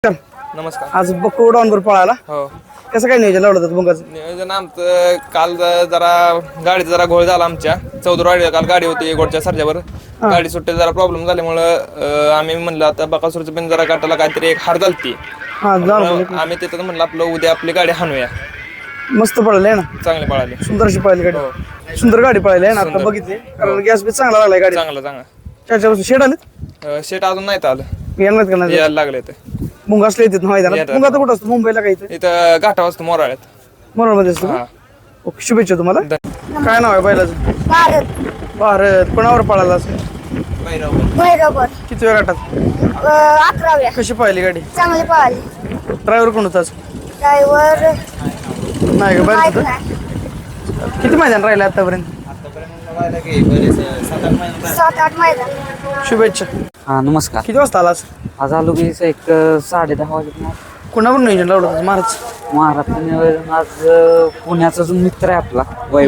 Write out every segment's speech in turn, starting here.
नमस्कार. आज बक्को डाऊनवर पळाला. हो, कसं काय नियोजन लावलं होतं बुंगाचं? नियोजन आमचं काल जरा गाडीचा जरा घोळ झाला आमच्या चौदरवाडी. काल गाडी होती गोडच्या सर्जावर, गाडी सुट्टी जरा प्रॉब्लेम झाल्यामुळं आम्ही म्हणलं आता बकासूरचं पण जरा काटाला काहीतरी एक हार झालती. आम्ही तिथं म्हणलं आपलं उद्या आपली गाडी हाणूया. मस्त पळाली आहे ना, चांगली पळाली, सुंदर अशी पळाली गाडी. सुंदर गाडी पळाली आहे ना. आता बघितली कारण गॅस बी चांगला लागलाय गाडी. चांगला चांगला. चार शेड आले शेट अजून नाही आलं, येणार का नाही? यायला लागले ते मुंगा असले येतात मैदानात. मुंगा तर कुठं असतो? मुंबईला काही इथं घाटा वाजतो मोराळ्यात. मनोरमध्ये असतो का? ओके, शुभेच्छा तुम्हाला. काय नाव आहे बैलाचं? भारत. भारत. कोणावर पळाला असेल? भैरवगड. किती वेळ गाठात? 11व्या. कशी पाहिली गाडी? चांगली पळाली. ड्रायव्हर कोण होता? ड्रायव्हर नाही का? माहित बाहेर नाही. किती मैदान राहिले आतापर्यंत? 7-8 मैदान. शुभेच्छा. हा नमस्कार. किती वाजता आलास? आज आलो की एक 10:30 वाजता. कोणावर नियोजन लावलं होतं? महाराज. महाराष्ट्र आज पुण्याचा जो मित्र आहे आपला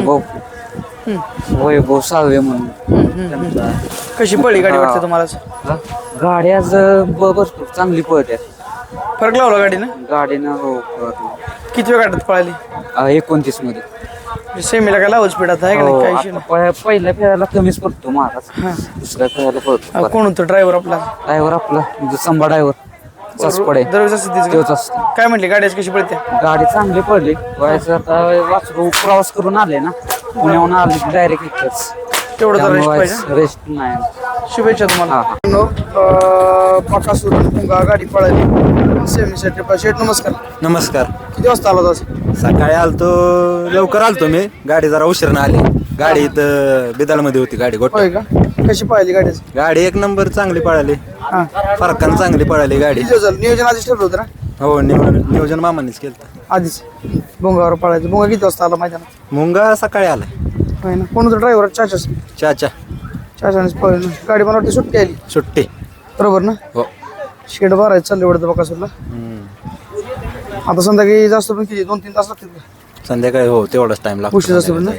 वैभव साळवे म्हणून त्यांचा कशी पळली गाडी वाटते तुम्हाला? गाडी आज भरपूर चांगली पळते. फरक लावला गाडीनं? गाडीनं हो किती वेळ गाठात पळाली? 29 मध्ये. सेमीला काय लावच स्पीड आता आहे का नाही? काही issue नाही. पहिल्या फेऱ्याला कमीच पडतो महाराज, दुसऱ्या फेऱ्याला पडतो. कोण होतं ड्रायव्हर आपला? ड्रायव्हर आपला संभा ड्रायव्हर सासपडे दरवेळेस असं तोच असतो. काय म्हटली गाडी आज कशी पळते? गाडी चांगली पडली. व्हायचं आता वासरू प्रवास करून आले ना, पुण्याहून आले डायरेक्ट इथंच. तेवढं तर रेस्ट पाहिजे. रेस्ट नाही. शुभेच्छा तुम्हाला. बकासूर मुंगा गाडी पळाली सेमीसाठी. शेठ नमस्कार. नमस्कार. किती वाजता आला आज? सकाळी आलतो, लवकर आलतो मी. गाडी जरा उशीरनं आली. गाडी इथं बिदालमध्ये होती गाडी गोट. होय का? कशी पाहिली गाडी? गाडी एक नंबर चांगली पळाली, हा. फरकानं चांगली पळाली गाडी. किती झालं? नियोजन आधीच ठरलं होतं ना? हो, नियोजन मामानेच केलं. आधीच मुंगावर पळायचं. मुंगा किती वाजता आला मैदानात? मुंगा सकाळी आला. होय ना. कोण होतं ड्रायव्हर? चाचाच. चाचा पळली गाडी. मला वाटते सुट्टी आली. सुट्टी. बरोबर ना? हो. शेड भरायचं चाललं एवढं बकासूरला. आता संध्याकाळी जास्त पण किती 2-3 तास लागतील का? संध्याकाळी हो तेवढाच टाइम लागतो. उशीर असतो ना?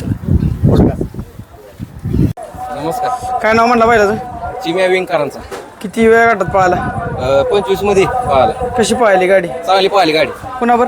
नमस्कार. काय नाव म्हणला बैलाचं? चिम्या विंगकरांचा. किती वेळ गाठात पळाला? 25 मध्ये पळाला. कशी पळाली गाडी? चांगली पळाली गाडी. कुणावर?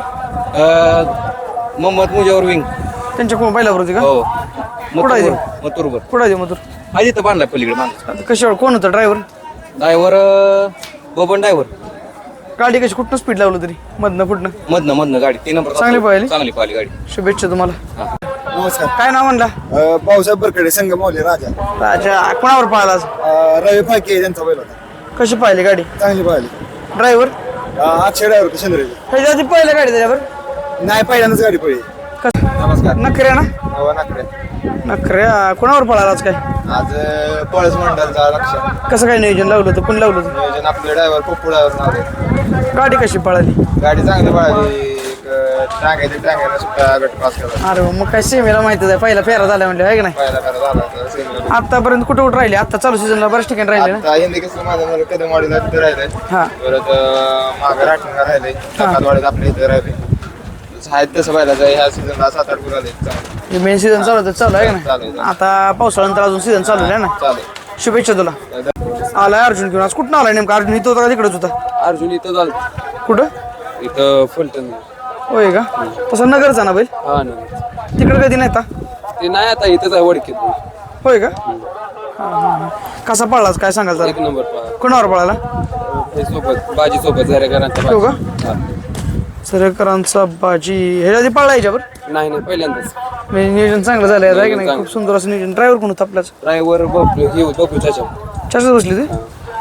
मोहम्मद मुजावर विंग. त्यांच्या कोण बैलावर होती का? हो, कुठं आहे ते? मथुरवर. कुठं आहे ते मथुर? आधी तर बांधला पलीकडे बांधला. आता कशावर? कोण होतं ड्रायव्हर? Driver Baban driver. गाडी कशी कुठनं स्पीड लावलं तरी? मधनं कुठनं? मधनं गाडी 3 नंबर. चांगली पळाली? चांगली पळाली गाडी. शुभेच्छा तुम्हाला. नमस्कार. काय नाव म्हणला? पावसाहेब बरकडे संघ माऊली राजा. राजा. कोणावर पळाला आज? रवी फाळके त्यांचा बैल होता. कशी पाहिली गाडी? चांगली पाहिली. ड्रायव्हर? अक्षय ड्रायव्हर चंद्रजी. ह्याच्या आधी पहिल्या गाडी त्याच्यावर? नाही, पहिल्यांदाच गाडी पडली. नमस्कार. नखऱ्या ना? नाकडे. नखऱ्या. कोणावर पळाला आज काय? आज पळस मंडळचा लक्ष कसं काय नियोजन लावलं होतं? कोण लावलं होतं? नियोजन आपले ड्रायव्हर पप्पू ड्रायव्हर. गाडी कशी पळाली? गाडी चांगली पळाली. टांग्याला सुट्टा गट पास केला. अरे मग काय सेमीला माहितीच आहे. पहिला फेरा झाला म्हणलं आहे का नाही? पहिला फेरा झाला. आतापर्यंत कुठं कुठं राहिले? आता चालू सीझनला बऱ्याच ठिकाणी राहिले ना? आता हिंदी कसं माझं कदम वाडीला तिथे राहिलंय. हा. परत मागं राठणला राहिलंय. वाडीत आपल्या इथे राहिले. आहेत तसं पाहिलं ह्या सीझनला 7-8 गुण आले. मेन सीझन चालू आहे का चालू नाही? आता पावसाळ्यानंतर अजून सीझन चालू आहे ना? चालेल. शुभेच्छा तुला. आलाय अर्जुन घेऊन. आज कुठं आलाय नेमका? अर्जुन इथं होता का तिकडेच होता? अर्जुन इथं झालं. कुठं? इथं फलटण. होय का? तसं नगरचा ना बैल? हा ना. तिकडे कधी नाही? ते नाही आता इथंच आहे वडकीत. होय का? हा. कसा पळलाच काय सांगाल जरा? 1 नंबर पळाला. कोणावर पळाला? हे सोबत बाजी सोबत जरेकरांचा हो का? सरेकरांचा बाजी. ह्याच्या आधी पळला याच्यावर? नाही पहिल्यांदाच. म्हणजे नियोजन चांगलं झालं आहे की नाही? खूप सुंदर असं नियोजन. ड्रायव्हर कोण होता आपल्याच? ड्रायव्हर बघू त्याच्या चारच बसली ते?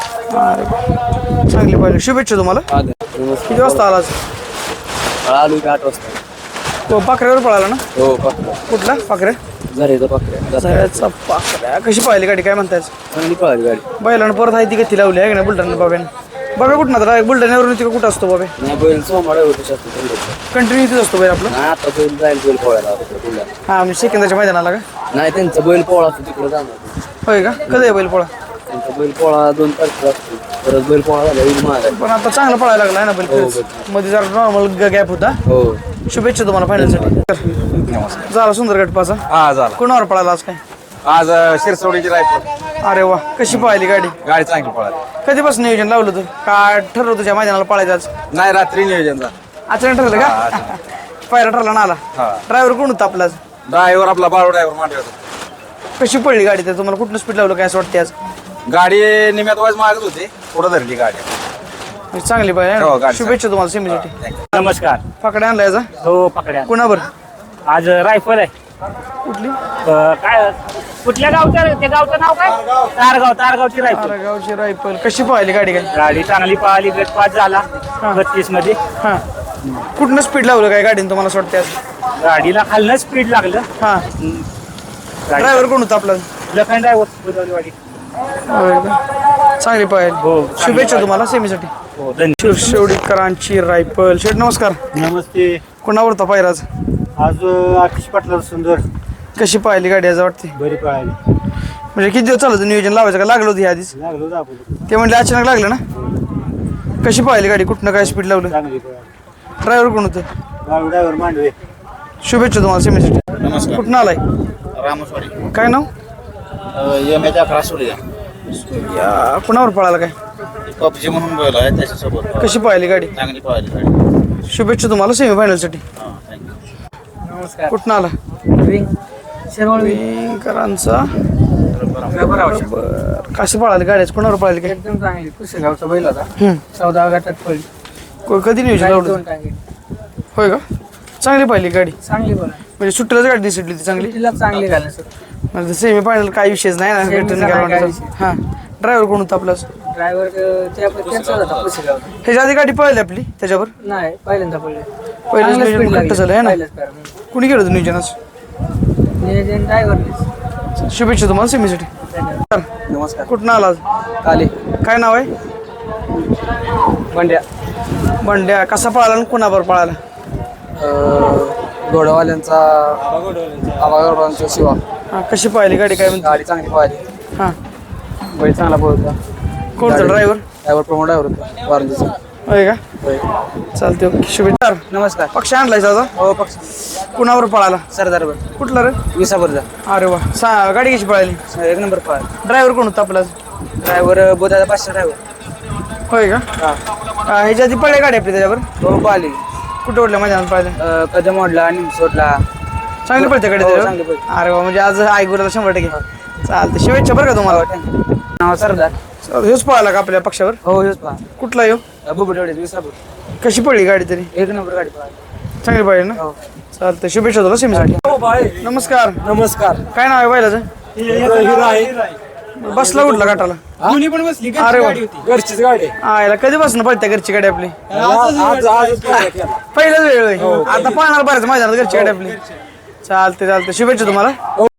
अरे चांगली पाहिजे. शुभेच्छा तुम्हाला. किती वाजता आलाच? आलो 8 वाजता. तो पाखऱ्यावर पळाला ना? हो, कुठला पाखऱ्या? झऱ्याचा पाखऱ्या. झऱ्याचा पाखऱ्या. कशी पाहिली गाडी? काय म्हणतायच? चांगली पळाली गाडी. बैलानं परत आहे ती गती लावली आहे की नाही बुलढाणा बाब्याने? बाबा कुठं ना? बुलढाण्यावरून तिकडे कुठं असतो बाबा? नाही बैल सोमाडा होतो जास्त. कंटिन्यू इथेच असतो बैल आपला? नाही आता बैल जाईल बैल पोळायला. हा म्हणजे सेकंदाच्या मैदानाला का? नाही त्यांचा बैल पोळा असतो तिकडे जाणार. होय का? कधी आहे बैल पोळा? त्यांचा बैल पोळा 2 तारखेला असतो. परत बैल पोळा झाला येईल माझा. पण आता चांगला पळायला लागला ना बैल खरंच. मध्ये जरा नॉर्मल गॅप होता. हो. शुभेच्छा तुम्हाला फायनलसाठी. झाला सुंदर गटपाचा. हा झाला. कोणावर पळाला आज काय? आज शिरसवडीची रायफल. अरे वा, कशी पळाली गाडी? गाडी चांगली पळाली. कधीपासून नियोजन लावलं तू? का ठरवलं तुझ्या मैदानाला पळायचं आज? नाही रात्री नियोजन झालं. अचानक ठरलं का? पायरा ठरला ना आला. ड्रायव्हर कोण होता आपला आज? ड्रायव्हर आपला बाळू ड्रायव्हर मांडे होता. कशी पडली गाडी? तर तुम्हाला कुठलं स्पीड लावलं काय असं वाटते आज? गाडी निम्यात वाज मागत होती, पुढे धरली गाडी. चांगली पाहिजे. हो, गाडी शुभेच्छा तुम्हाला सेमीसाठी. नमस्कार. पकडे आणला याचा हो पकड्या. कुणावर? आज रायफल आहे. कुठली? काय कुठल्या गावचं ते गावचं नाव काय? तारगावची रायफल. गावची रायफल. कशी पळाली गाडी काय? गाडी चांगली पळाली. गट पास झाला 32 मध्ये. हा, कुठनं स्पीड लावलं काय गाडीने तुम्हाला असं वाटते आज? गाडीला खालनं स्पीड लागलं. हा, ड्रायव्हर कोण होता आपला? लखन ड्रायव्हर बुधवारवाडी. चांगली पाहिजे. हो शुभेच्छा तुम्हाला सेमीसाठी. हो धन्यवाद. शिरशेवडीकरांची रायफल. शेठ नमस्कार. नमस्ते. कोणावर होता पायराज? आज आतिश पाटला सुंदर कशी पाहिली गाडी आज वाटते? बरी पळाली. म्हणजे किती दिवस चालू होतं नियोजन लावायचं का? लागलं होतं आधीच? लागलो होतं आपण. ते म्हणले अचानक लागलं ना. कशी पाहिली गाडी? कुठनं काय स्पीड लावलं? चांगली पळाली. ड्रायव्हर कोण होतं? बाळू ड्रायव्हर मांडवे. शुभेच्छा तुम्हाला सेमीसाठी. नमस्कार. कुठनं आलाय? रामस्वाडी. काय नाव? यमेच्या फ्रासुडिया. कुणावर पळाला काय? पबजी म्हणून बोल आहे त्याच्यासोबत. कशी पाहिली गाडी? चांगली पळाली गाडी. शुभेच्छा तुम्हाला सेमीफायनलसाठी. नमस्कार. कुठनं आला? विंकरांचा. बरं. कशी पळाली गाडी? कोणावर पळाली काय? एकदम चांगली. पुसेगावचा बैल होता. हम्म. 14 गटात पडली. कधी नियोजन लावलं? होय का? चांगली पाहिली गाडी. चांगली बोला. म्हणजे सुट्टीलाच गाडी दिसली ती चांगली. तिला चांगली घालणं सर. म्हणजे सेमी फायनल काही विषयच नाही ना. Semi चा नाही काही विषय. हा, ड्रायव्हर कोण होता आपला? ड्रायव्हर त्यांचा होता पुसेगावचा. ह्याच्या आधी गाडी पळाली आपली त्याच्यावर? नाही पहिल्यांदा पडले. पहिलंच नियोजन घट्ट झालं आहे ना. पहिलंच कारण. कुणी केलं होतं नियोजन आज? नियोजन ड्रायव्हरनेच. शुभेच्छा तुम्हाला सेमीसाठी. नमस्कार. कुठं आला आज? काले. काय नाव आहे? बंड्या. बंड्या. कसा पळाला आणि कुणावर पळाला? घोडवाल्यांचा आवागडवाल्यांचा शिवा. हा, कशी पाहिली गाडी? काय म्हणते? गाडी चांगली पाहिली. हा, बैल चांगला पोहोचला. कोणता ड्रायव्हर? ड्रायव्हर प्रमोद ड्रायव्हर होता वारंजीचा. होय का? चालते. ओके, शुभेच्छा. नमस्कार. पक्ष आणलाय दादा? हो पक्ष. कुणावर पळाला? सरदार कुठला रे? विसापूरचा. अरे वा. गाडी कशी पळाली? 1 नंबर पाहिला. ड्रायव्हर कोण होता आपला? ड्रायव्हर बोधाचा 500 ड्रायव्हर. होय का? ह्याच्या आधी पळल्या गाडी आपली त्याच्यावर? हो पाहिली. कुठे ओढल्या मैदानात पाहिलं? कदम ओढला निमसोडला. चांगली पळते गाडी हो, त्याच्यावर? चांगली पळते. अरे वा, म्हणजे आज आयगुराला 100%. चालते. शुभेच्छा बरं का तुम्हाला. नाव सरदार. हेच पळाला का आपल्या पक्षावर? हो हेच पहा. कुठला येऊ? बुबुडवडे विसापूर. कशी पडली गाडी तरी? 1 नंबर गाडी पाहिली. चांगली पाहिजे ना. हो. चालतं. शुभेच्छा तुला सेमीसाठी. नमस्कार. नमस्कार. काय नाव आहे बैलाचं? हिरो आहे. बसला उठला गाठाला? दोन्ही पण बसली. अरे वा. घरचीच गाडी. याला कधीपासून पळत्या घरची गाडी आपली? आज पहिलाच वेळ होय. आता पाहणार बऱ्याच मैदानात घरची गाडी आपली. चालते. शुभेच्छा तुम्हाला.